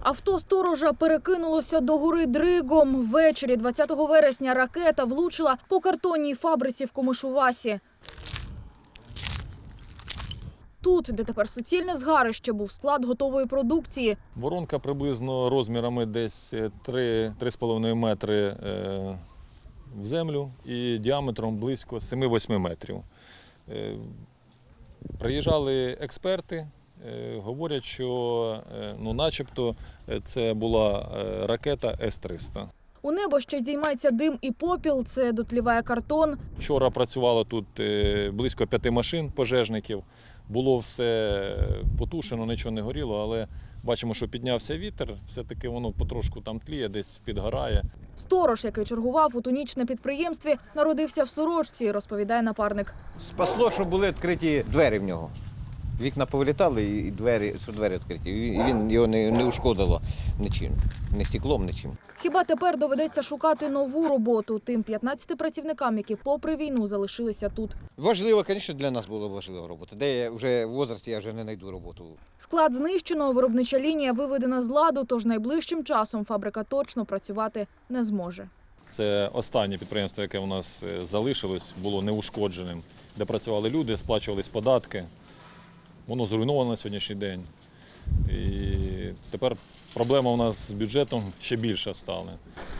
Авто сторожа перекинулося до гори дригом. Ввечері 20 вересня ракета влучила по картонній фабриці в Комишувасі. Тут, де тепер суцільне згарище, був склад готової продукції. Воронка приблизно розмірами десь 3,5 метри в землю і діаметром близько 7-8 метрів. Приїжджали експерти, говорять, що начебто це була ракета С-300. У небо ще здіймається дим і попіл, це дотліває картон. Вчора працювало тут близько 5 машин пожежників. Було все потушено, нічого не горіло, але бачимо, що піднявся вітер, все-таки воно потрошку там тліє, десь підгорає. Сторож, який чергував у тоніч на підприємстві, народився в Сорочці, розповідає напарник. Спасло, що були відкриті двері в нього. Вікна повилітали і двері відкриті. І він його не ушкодило нічим, не стеклом, нічим. Хіба тепер доведеться шукати нову роботу тим 15 працівникам, які попри війну залишилися тут. Важливо, звісно, для нас була важлива робота. Де я вже в возрасті, я вже не знайду роботу. Склад знищено, виробнича лінія виведена з ладу, тож найближчим часом фабрика точно працювати не зможе. Це останнє підприємство, яке у нас залишилось, було неушкодженим, де працювали люди, сплачувались податки. Воно зруйновано на сьогоднішній день. І тепер проблема у нас з бюджетом ще більша стала.